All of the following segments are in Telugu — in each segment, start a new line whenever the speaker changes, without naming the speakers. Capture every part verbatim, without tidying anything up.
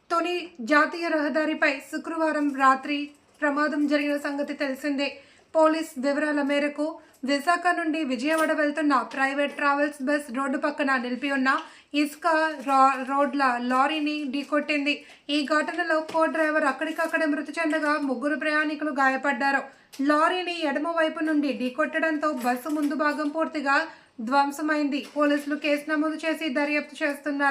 తొలి జాతీయ రహదారిపై శుక్రవారం రాత్రి ప్రమాదం జరిగిన సంగతి తెలిసిందే. పోలీస్ వివరాల మేరకు విశాఖ నుండి విజయవాడ వెళ్తున్న ప్రైవేట్ ట్రావెల్స్ బస్ రోడ్డు పక్కన నిలిపి ఉన్న ఇసుక రోడ్ల లారీని ఢీకొట్టింది. ఈ ఘటనలో కో డ్రైవర్ అక్కడికక్కడే మృతి చెందగా ముగ్గురు ప్రయాణికులు గాయపడ్డారు. లారీని ఎడమ వైపు నుండి ఢీకొట్టడంతో బస్సు ముందు భాగం పూర్తిగా ధ్వంసమైంది. పోలీసులు కేసు నమోదు చేసి దర్యాప్తు చేస్తున్నారు.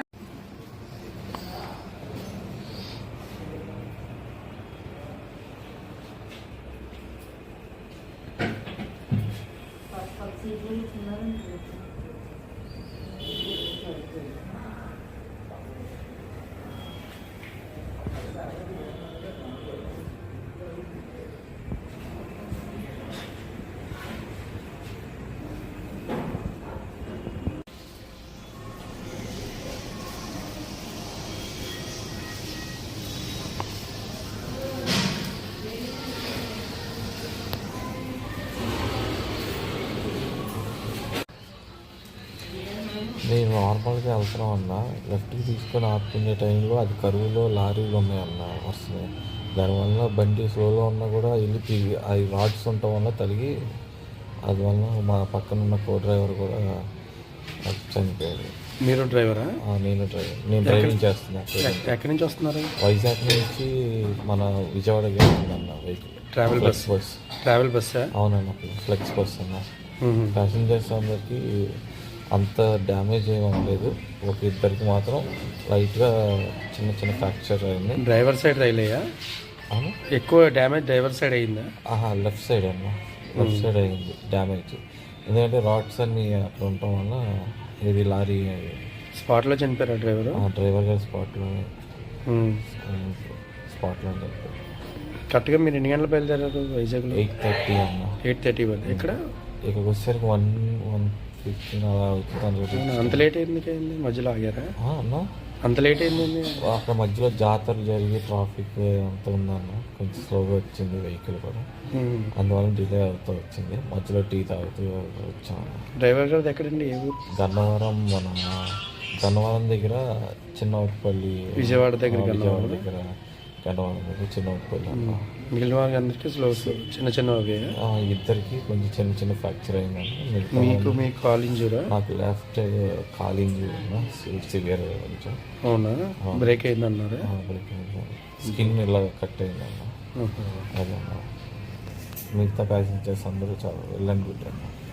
నేను నార్మల్గా వెళ్తున్నాం అన్న, లెఫ్ట్కి తీసుకొని ఆపుకునే టైంలో అది కరువులో లారీలు ఉన్నాయన్న వస్తున్నాయి. దానివల్ల బండి స్లోలో ఉన్నా కూడా వెళ్ళి తిరిగి అవి రాడ్స్ ఉండటం వల్ల తలిగి అది వల్ల మా పక్కన ఉన్న కో డ్రైవర్ కూడా చనిపోయాడు.
మీరు డ్రైవరా?
నేను డ్రైవర్ నేను డ్రైవింగ్ చేస్తున్నాను.
ఎక్కడి నుంచి వస్తున్నారు?
వైజాగ్ నుంచి మన విజయవాడకి వెళ్తుందన్న vehicle.
Travel bus
bus
travel బస్సా?
అవునన్న, ఫ్లెక్స్ బస్ అన్న. ప్యాసింజర్స్ అందరికీ అంత డ్యామేజ్ ఏమి అవ్వలేదు. ఒక ఇద్దరికి మాత్రం లైట్గా చిన్న చిన్న ఫ్రాక్చర్ అయింది.
డ్రైవర్ సైడ్ రైలయ్యా? ఎక్కువ డ్యామేజ్ డ్రైవర్ సైడ్ అయిందా?
ఆహా, లెఫ్ట్ సైడ్ అన్న, లెఫ్ట్ సైడ్ అయింది డ్యామేజ్. ఎందుకంటే రాడ్స్ అన్నీ అట్లా ఉండటం వల్ల ఇది లారీ
స్పాట్లో చనిపోయారా డ్రైవర్?
డ్రైవర్ గారు స్పాట్లో స్పాట్లో చనిపోయారు.
కరెక్ట్గా మీరు ఎన్ని గంటలు బయలుదేరారు వైజాగ్లో?
ఎయిట్ థర్టీ అన్న.
ఎయిట్ థర్టీ వన్ ఇక్కడ
ఇక్కడికి వచ్చేసరికి వన్ వన్ ఫిఫ్టీన్ అలా అవుతుంది.
అంత లేట్ అయింది అయింది మధ్యలో ఆగారా
అన్న?
అంత లేట్ అయింది
అక్కడ మధ్యలో జాతర జరిగి ట్రాఫిక్ అంతా ఉందన్న, కొంచెం స్లోగా వచ్చింది వెహికల్ కూడా, అందువల్ల డిలే అవుతూ వచ్చింది. మధ్యలో టీ తాగుతూ వచ్చాము.
డ్రైవర్ గారు ఎక్కడండి? ఏ ఊరు?
గన్నవరం, మన గన్నవరం దగ్గర చిన్నపల్లి.
విజయవాడ దగ్గర
విజయవాడ దగ్గర గన్నవరం దగ్గర చిన్నపల్లి.
మిగిలిన వాళ్ళకి అందరికీ స్లో చిన్న చిన్న
ఇద్దరికి కొంచెం చిన్న చిన్న ఫ్రాక్చర్ అయిందండి.
మీకు మీ కాల్ ఇంజూరా?
నాకు లెఫ్ట్ కాల్ ఇంజూరీ సివియర్ కొంచెం.
అవునా? బ్రేక్ అయిందన్నారు?
బ్రేక్ అయింది, స్కిన్ ఇలా కట్ అయిందన్న. అదన్నా మిగతా ప్యాసింజర్స్ అందరూ చాలా వెళ్ళండి.